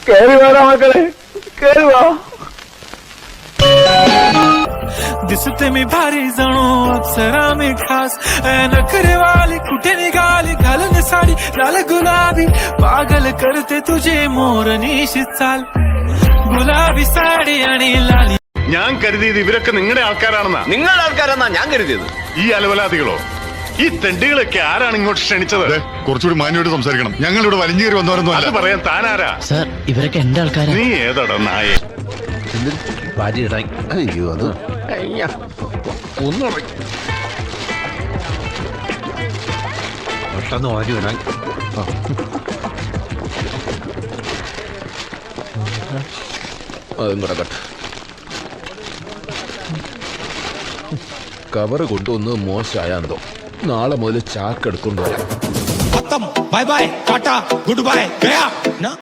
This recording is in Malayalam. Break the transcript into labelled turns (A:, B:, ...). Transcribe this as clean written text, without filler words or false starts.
A: കേറി വാടാ മക്കളെ, കേറി വാ.
B: दिसते मी भारी जणू अप्सरा मी खास नखरे वाली कुठे निघाली घालून साडी लाल गुलाबी पागल करते तुझे मोरनीशी चाल गुलाबी साडी आणि लाली.
C: ഞാൻ കരുതിയത് ഇവരൊക്കെ നിങ്ങളുടെ ആൾക്കാരാണെന്നാ.
D: നിങ്ങളുടെ ആൾക്കാരെന്നാ ഞാൻ കരുതിയത്.
C: ഈ അലവലാദികളോ, ഈ തെണ്ടികളൊക്കെ ആരാണ് ഇങ്ങോട്ട് ക്ഷണിച്ചത്?
E: കുറച്ചുകൂടി മാന്യമായിട്ട് സംസാരിക്കണം. ഞങ്ങൾ ഇവിടെ വലിഞ്ഞേറി വന്നവരൊന്നും
C: അത് പറയാൻ താനാരാ?
F: സാർ, ഇവരൊക്കെ എന്റെ ആൾക്കാരാ.
C: നീ ഏതാടാ നായേ?
D: അയ്യോ അത് ഒന്നും പെട്ടെന്ന് വാരി വിടാൻ. അതും കൂടെ കട്ട്. കവറ് കൊണ്ടുവന്ന് മോശമായാന്തോ. നാളെ മുതൽ ചാക്ക് എടുക്കൊണ്ടുവരാം.
B: Bye bye tata goodbye गया ना.